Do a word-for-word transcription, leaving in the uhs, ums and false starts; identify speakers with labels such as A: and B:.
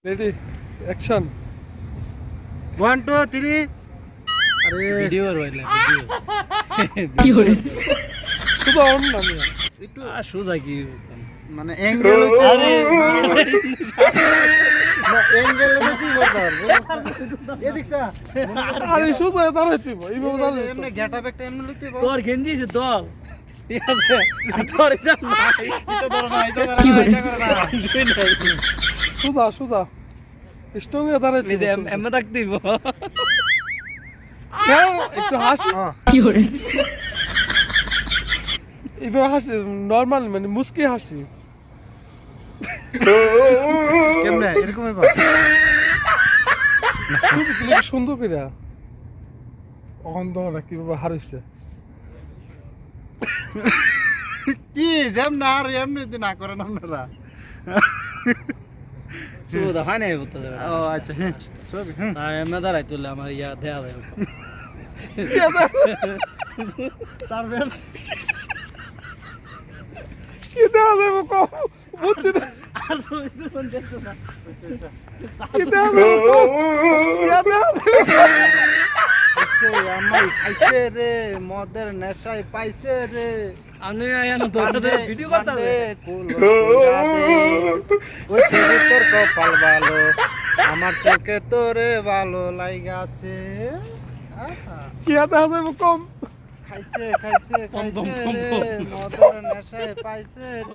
A: Ready action
B: one two three
C: আরে video রইলা video
D: কি হরে
A: শুধু অন না আমি
B: একটু
C: আর সোজা কি
B: মানে অ্যাঙ্গেল
C: আরে
B: না অ্যাঙ্গেল বেশি করতে পারবো এদিক সা
A: আরে শুধু দাঁড়াইতে এইভাবে দাঁড়াইতে
B: এমনি গেটআপ একটা এমনি লিখতে পারবো
C: তোর গেঞ্জি আছে দল ঠিক আছে আর তোর এটা নাই
B: এটা ধরো না এটা ধরো
D: কি
B: না
D: বলে?
B: এটা করো না
A: সুদা সুদা স্ট্রং এ দাঁড়াইতে
C: এই যে এমন থাকতে দিব
A: হ্যাঁ একটু হাসি
D: কি হরে
A: এইভাবে হাসি নরমাল মানে মুস্কি হাসি
B: কেমনে এরকম হইবা
A: ছবি তুলে কি সুন্দর করে অন্ধ না কিভাবে হারিয়েছে
B: কি যেম না আর এমনি তো না করেন আপনারা
C: সোজা হয় না বলতে যাবে
B: ও আচ্ছা হ্যাঁ সব হ্যাঁ
C: আর এমন দাঁড়াই তুললে আমার ইয়া দেয়া যায়
B: তারপর
A: কি দেওয়া যাবে কম বুঝছি না
C: আর তুমি তো শুনতে না
A: কি দেওয়া যাবে কম? কি দেওয়া যাবে?
B: সে আমায় খাইছে রে মদের নেশায় পাইছে রে
C: আমি আয়ানো তোর সাথে ভিডিও করতে হবে
B: ওই ছেলে তোর কপাল ভালো আমার চোখে তোরে ভালো লাইগাছে আহা,
A: কি দেওয়া যাবে কম
B: খাইছে খাইছে
C: পম, পম,
B: খাইছে
C: পম,
B: রে
C: পম।
B: মদের নেশায় পাইছে